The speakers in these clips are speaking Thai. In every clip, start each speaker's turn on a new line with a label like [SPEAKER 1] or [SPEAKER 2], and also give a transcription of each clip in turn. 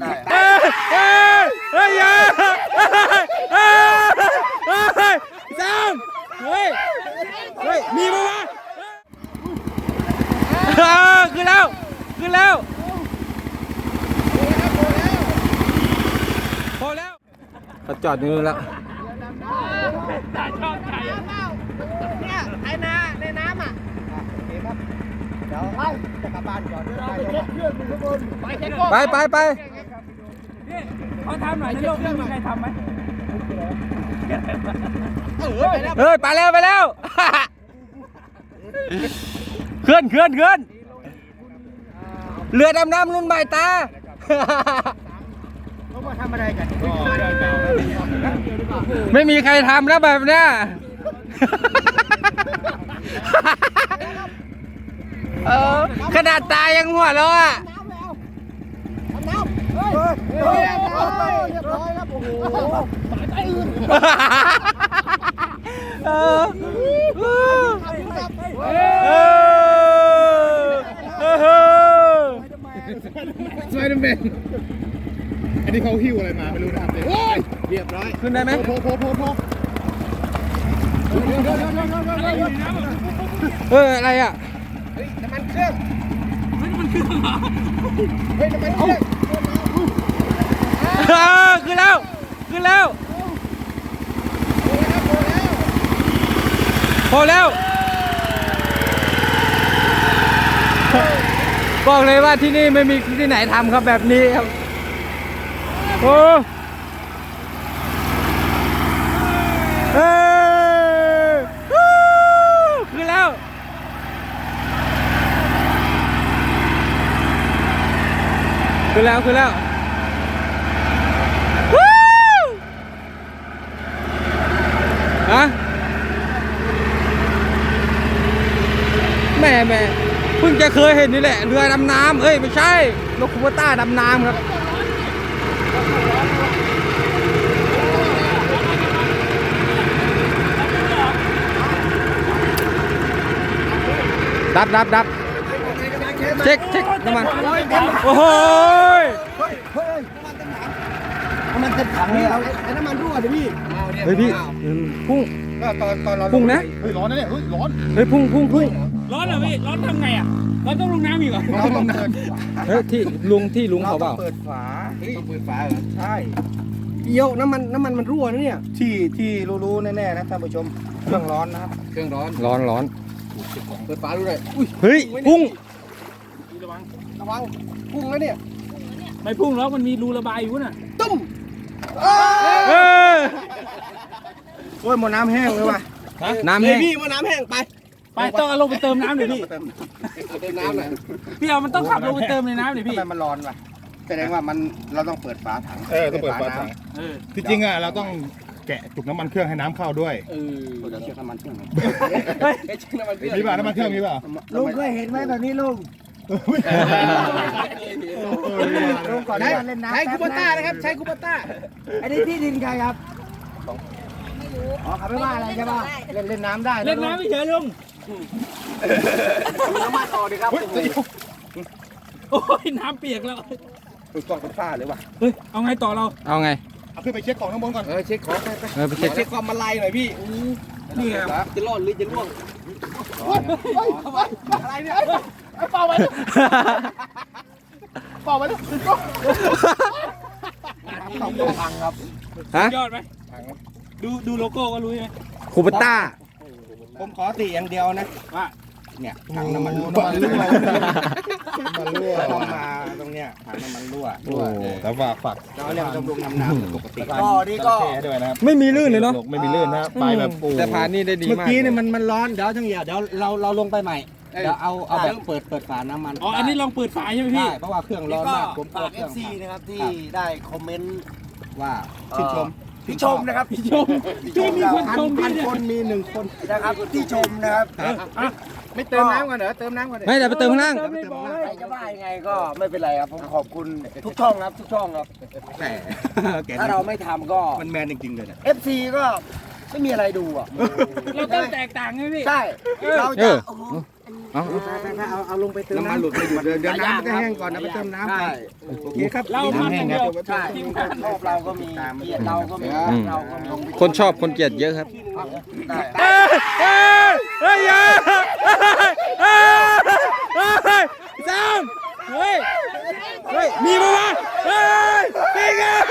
[SPEAKER 1] เฮ้ยอย่าซ้ำเฮ้ยมีมั้ยวะขึ้นแล้วพอแล้วเขาจอดอยู่แล้ว
[SPEAKER 2] ชอบใจเนี่ยไอ้นาในน้ำอ่ะเดี๋ยวไปจะกลับบ้านก่อน
[SPEAKER 1] ไป
[SPEAKER 3] เขาทำหน่อยในโลกนี้มีใครทำไหม
[SPEAKER 1] เฮ้ยไปแล้วเคลื่อนเรือดำน้ำรุ่นใหม่ตา
[SPEAKER 2] เขามาทำอะไรกัน
[SPEAKER 1] ไม่มีใครทำแล้วแบบเนี้ยขนาดตายังหัวเราะอ่ะ
[SPEAKER 2] น้ำเรียบร้อยครับโอ้โหสายไปอื่น
[SPEAKER 4] สไปเดอร์แมนอันนี้เขาหิ้วอะไรมาไม่รู้นะครับเรียบร้อย
[SPEAKER 1] ขึ้นได้ไหม
[SPEAKER 4] โผ
[SPEAKER 1] อะไรอ่ะ
[SPEAKER 2] น้ำมันเครื่อง
[SPEAKER 3] มันคือเหรอ
[SPEAKER 2] น้ำมันเครื่อง
[SPEAKER 1] ขึ้นแล้วพอแล้วบอกเลยว่าที่นี่ไม่มีที่ไหนทำครับแบบนี้ครับโอ้ขึ้นแล้วฮะแม่เพิ่งจะเคยเห็นนี่แหละเรือดำน้ำไม่ใช่รถคูเปอร์ต้าดำน้ำครับดับเช็คน้ำมันโอ้โห
[SPEAKER 2] น้ำมันเต็มถังเลยไอ้น้ำมันรั่วเลยพี่
[SPEAKER 1] เฮ้ยพี่พุ่ง
[SPEAKER 4] เรา
[SPEAKER 1] พุ่งนะ
[SPEAKER 4] เฮ้ยร้อนนะเนี่ยเฮ้ยร้อน
[SPEAKER 1] พุ่ง
[SPEAKER 3] ร้อนเหรอพี่ร้อนทำไงอ่ะร้อนต้องลงน้ำอีกเหรอ
[SPEAKER 4] เราต้องเดิน
[SPEAKER 1] ที่ลุงเขาเปล่า
[SPEAKER 2] เปิดฝาต้องเปิดฝาเหรอใช่เดี๋ยวน้ำมันรั่วนะเนี่ยที่รู้แน่ๆนะท่านผู้ชมเครื่องร้อนนะครับ
[SPEAKER 4] เครื่องร้อน
[SPEAKER 2] เปิดฝาดูเลย
[SPEAKER 1] เฮ้ยพุ่ง
[SPEAKER 2] ระวังพุ่งแล้วเนี่ย
[SPEAKER 3] ไม่พุ่งแล้วมันมีรูระบายอยู่น่ะ
[SPEAKER 2] ตุ้มโอ้ยหมดน้ำแห้งเลยว่ะ
[SPEAKER 1] น้ำแห้ง
[SPEAKER 2] พี่หมดน้ำแห้งไป
[SPEAKER 3] ต้องเอาลงไปเติมน้ำหน่อยพี่
[SPEAKER 2] เติมน้ำหน่อย
[SPEAKER 3] พี่เอามันต้องขับลงไปเติมในน้ำหน่อยพี่
[SPEAKER 2] ทำไมมันร้อนว่ะแสดงว่าเราต้องเปิดฝาถัง
[SPEAKER 4] ต้องเปิดฝาถังที่จริงเราต้องแกะจุกน้ำมันเครื่องให้น้ำเข้าด้วย
[SPEAKER 2] เดี๋ยวเช็คน้ำมันเครื่อง
[SPEAKER 4] มีป่ะน้ำมันเครื่องมีป่ะ
[SPEAKER 2] ลุงเคยเห็นไหมแบบนี้ลุงก่อนได้เล่นน้ำใช้คูปต้านะครับใช้คูปต้าอันนี้ที่ดินใครครับไม่รู้เขาไม่ว่าอะไรใช่ป่ะเล่นน้ำได้
[SPEAKER 3] เล่นน้ำไม่เฉยลุง
[SPEAKER 2] น้ำมาต่อดีครับ
[SPEAKER 3] โอ้ยน้ำเปียกแล้ว
[SPEAKER 2] กล่องเป็นฝ้าเลยว่ะ
[SPEAKER 3] เฮ้ยเอาไงต่อเรา
[SPEAKER 1] เอาไง
[SPEAKER 4] เอาขึ้นไปเช็คของข้างบนก่อน
[SPEAKER 2] เช็คของ
[SPEAKER 1] ไปเช็ค
[SPEAKER 2] ความมาลายหน่อยพี่นี่ครับจะรอดหรือจะร่วงอะไรเนี่ยเป่าไปเลยพังครับ
[SPEAKER 3] ยอดไหมดูโลโก้ก็รู้ใช่ไหม
[SPEAKER 1] คูเปอร์ต้า
[SPEAKER 2] ผมขอติอย่างเดียวนะว่าเนี่ยถังน้ำมันรั่วต้องมาตรงเนี้ยถังน้ำมันรั่ว
[SPEAKER 4] แต่ฝาก
[SPEAKER 2] เราเนี่ยบำรุงน้ำปกติก็นี่ก็
[SPEAKER 4] ด้วยนะครับ
[SPEAKER 1] ไม่มีลื่นเลยเนาะ
[SPEAKER 4] ไม่มีลื่นนะไปแบบ
[SPEAKER 1] แต่ผ่านนี่ได้ดีมาก
[SPEAKER 2] เมื่อกี้เนี่ยมันร้อนเดี๋ยวทั้งอย่างเดี๋ยวเราลงไปใหม่เดี๋ยวเอาแบบเปิดฝาน้ำมัน
[SPEAKER 3] อันนี้ลองเปิดฝาใช่ไหมพี่
[SPEAKER 2] เพราะว่าเครื่องร้อนมากผมฝาก FC นะครับที่ได้คอมเมนต์ว่าชื่นชมนะครับ
[SPEAKER 3] พี่มีคนชม
[SPEAKER 2] พันคนมี1คนนะครับที่ชมนะครับไม่เติมน้ำกันเหรอเติมน้ำกัน
[SPEAKER 1] ไม่เดี๋ยวไปเติมข้างล่าง
[SPEAKER 2] ใครจะว่ายังไงก็ไม่เป็นไรครับผมขอบคุณทุกช่องครับแต่ถ้าเราไม่ทำก็
[SPEAKER 4] มันแมนจริงๆเลยเนี่ย
[SPEAKER 2] FC ก็ไม่มีอะไรดูอ่ะ
[SPEAKER 3] เราต้องแตกต่างไงพี่
[SPEAKER 2] ใช่เราจะ
[SPEAKER 1] เอา
[SPEAKER 2] เอาลงไปเติมน้ำมันหลุดไปอยู่เดี๋ยวน้ำมันจะแห้งก่อนนะไปเติมน้ำก่อนโอเคครับ
[SPEAKER 3] เรามันอย่างเดียว
[SPEAKER 2] ใช่ชอบเราก็มีเกลียดเราก็มีเราก็มี
[SPEAKER 1] คนชอบคนเกลียดเยอะครับ
[SPEAKER 2] ได้
[SPEAKER 1] เฮ้ยอย่าสามเฮ้ยมีปะวะเฮ้ยปิงอ่ะ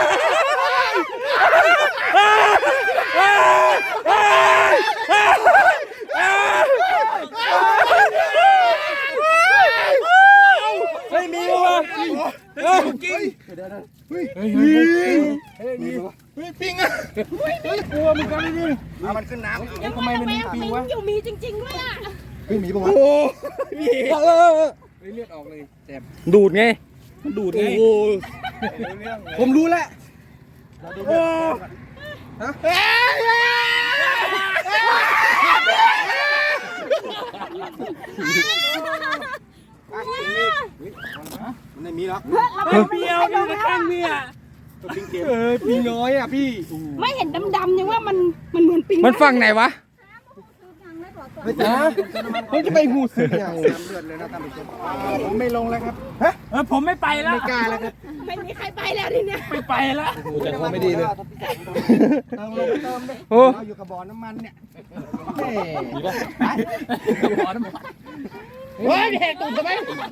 [SPEAKER 1] เฮ้ยมีปะวะเฮ้ยกินปิงอ่ะกลัวมึงกันเลยดิ
[SPEAKER 2] เอามันขึ้นน้ำ
[SPEAKER 5] ทำไมมันมีปิงวะอยู่มีจริงๆด้วยอ่ะ
[SPEAKER 2] มีปะวะ
[SPEAKER 1] โอ้เลือดออกเลยแสบดูดไงมันดูดไงผมรู้แล้วโอ้
[SPEAKER 2] มันไม่มีหรอก
[SPEAKER 3] เดียวอยู่ในข้างเนี่ย
[SPEAKER 1] ปิงน้อยอ่ะพี่
[SPEAKER 5] ไม่เห็นดำๆยังว่ามันเหมือนปิง
[SPEAKER 1] มันฝั่งไหนวะมันจะไปหูซึมยัง
[SPEAKER 2] น้ำเลือดเลยนะท่านผู้ชมผมไม่ลงแล้วครับ
[SPEAKER 3] ผมไม่ไปแล้ว
[SPEAKER 2] ไม่กล้าแล้วครับ
[SPEAKER 5] ไม่มีใครไปแล้วทีเนี้ย
[SPEAKER 3] ไม่ไปแล้ว
[SPEAKER 1] กูจะคงไม่ดีเลย
[SPEAKER 2] เติมลงไปเติมเลย
[SPEAKER 1] โอ้
[SPEAKER 2] เราอยู่กับบ่อน้ำมันเนี่ย
[SPEAKER 3] เฮ้ยแหกตุ่มทำไม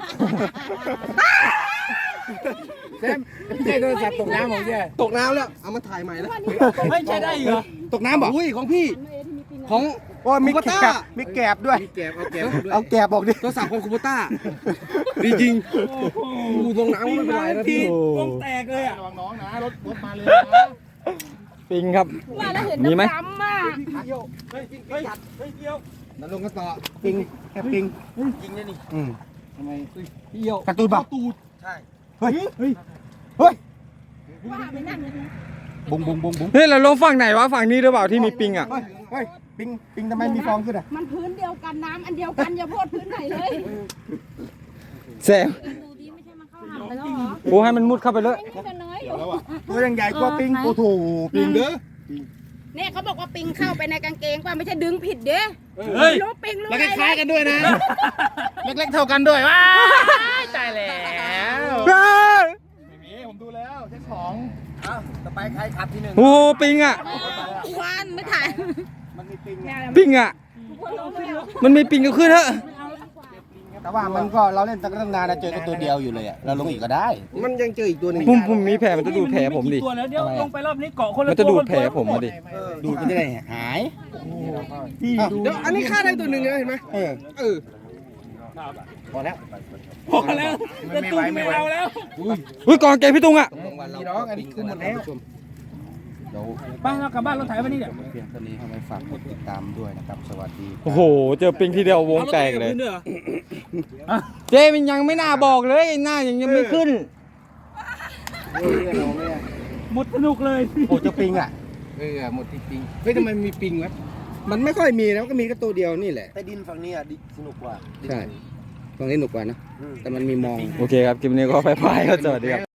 [SPEAKER 2] แซมไม่ใช่โทรศัพท์ตกน้ำของแกตกน้ำแล้วเอามาถ่ายใหม่แล้ว
[SPEAKER 3] ไม่ใช่ได้เหรอ
[SPEAKER 2] ตกน้ำบอกอุ้ยของพี่ของโอ้มีแกบมีแกบด้วยมีแกบเอาแกบบอกดิโทรศัพท์ของคูโบต้าดีจริงกูตรงน้ำไม่เป็นไรนะพี่
[SPEAKER 3] วงแตกเลยอ่ะ
[SPEAKER 4] ระวังน้องนะรถมาเลยนะ
[SPEAKER 1] ปิงครับ
[SPEAKER 5] ว่าแล้วเห็น
[SPEAKER 1] มีไหม
[SPEAKER 5] ดำๆอ่ะ
[SPEAKER 2] นั่นลงกันต่อปิงแค่ปิงยิงเนี่ยนี่ทำไมพี่เยี่ยวการ์ตูนป่ะใช่เฮ้ยเฮ้ย
[SPEAKER 5] ว่าไปนั่นเลยนะ
[SPEAKER 2] บุ้งบุ้งบุ้งบุ้ง
[SPEAKER 1] เฮ้ยเราลงฝั่งไหนวะฝั่งนี้หรือเปล่าที่มีปิงอ่ะ
[SPEAKER 2] เฮ้ยปิงทำไมมีฟองขึ้นอ่ะ
[SPEAKER 5] มันพื้นเดียวกันน้ำอันเดียวกันอย่าโพดพื้นไหนเลย
[SPEAKER 1] แซม
[SPEAKER 5] ดูดีไม่ใช่มันเข้าหำไปแล้วเหรอ
[SPEAKER 1] โอ้ให้มันมุดเข้าไปเลย
[SPEAKER 5] ไม่นี่ก็น้อยอยู่
[SPEAKER 2] ตัวยังใหญ่กว่าปิงโอ้โหปิงเด้อ
[SPEAKER 5] เนี่ยเขาบอกว่าปิงเข้าไปในกางเกงว่าไม่ใช่ดึงผิดเด้
[SPEAKER 3] เฮ้ย
[SPEAKER 5] รู้ปิงรู้
[SPEAKER 2] แล้ว
[SPEAKER 5] อะไร
[SPEAKER 2] คล้ายกันด้วยนะเล็กๆเท่ากันด้วยว้า
[SPEAKER 3] ตายแล้ว
[SPEAKER 4] ไม่มีผมดูแล้วเช็คของ
[SPEAKER 2] ต่อไปใครขับที่หนึ่ง
[SPEAKER 1] โอ้ปิงอ่ะ
[SPEAKER 5] ควันไม่ถ่าย
[SPEAKER 2] มันมีปิง
[SPEAKER 1] ปิงอ่ะ มันมีปิงก็ขึ้นเถอะ
[SPEAKER 2] แต่ว่ามันก็เราเล่นตั้งนานนะเจอกันตัวเดียวอยู่เลยอ่ะเราลงอีกก็ได้ มันยังเจออีกตัวหนึง
[SPEAKER 1] ผมมีแผลมันจะดูดแผลผมดิ
[SPEAKER 3] ตัวแล้วเดี๋ยวลงไปรอบนี้เกาะคนละ
[SPEAKER 1] มันจะดูดแผลผมมาดิ
[SPEAKER 2] ดูมันจะได้หายเดี๋ยวอันนี้ฆ่าได้ตัวหนึ่งเลยเห็นไหมพอแล้ว
[SPEAKER 3] พอแล้วจะตุ้มไม่เอาแล้ว
[SPEAKER 1] อุ้ยกองเกงพี่ตุงอ่ะ
[SPEAKER 2] มีน้องอันนี้คือหมดแล้วเดี๋ยว
[SPEAKER 3] ไปเรากลับบ้านรถไถวันนี้เดี๋ยว
[SPEAKER 2] เพียงเท่านี้ทำไมฝากกดติดตามด้วยนะครับ สวัสดี
[SPEAKER 1] โอ้โห เจอปิงทีเดียววงแตกเลย
[SPEAKER 3] อารถไถบพื้นด้วยหรอ
[SPEAKER 1] เจมันยังไม่น่าบอกเลยหน้ายังไม่ขึ้น
[SPEAKER 3] หมดสนุกเลย
[SPEAKER 2] โอ้เจ้าปิงอ่ะหมดที่ปิงเฮ้ยทำไมมีปิงวะมันไม่ค่อยมีนะก็มีแค่ตัวเดียวนี่แหละแต่ดินฝั่งนี้อ่ะสนุกกว่าใช่ฝั่งนี้สนุกกว่านะแต่มันมีมอง
[SPEAKER 1] โอเคครับ คลิปนี้ก็ไปก็สวัสดีครับ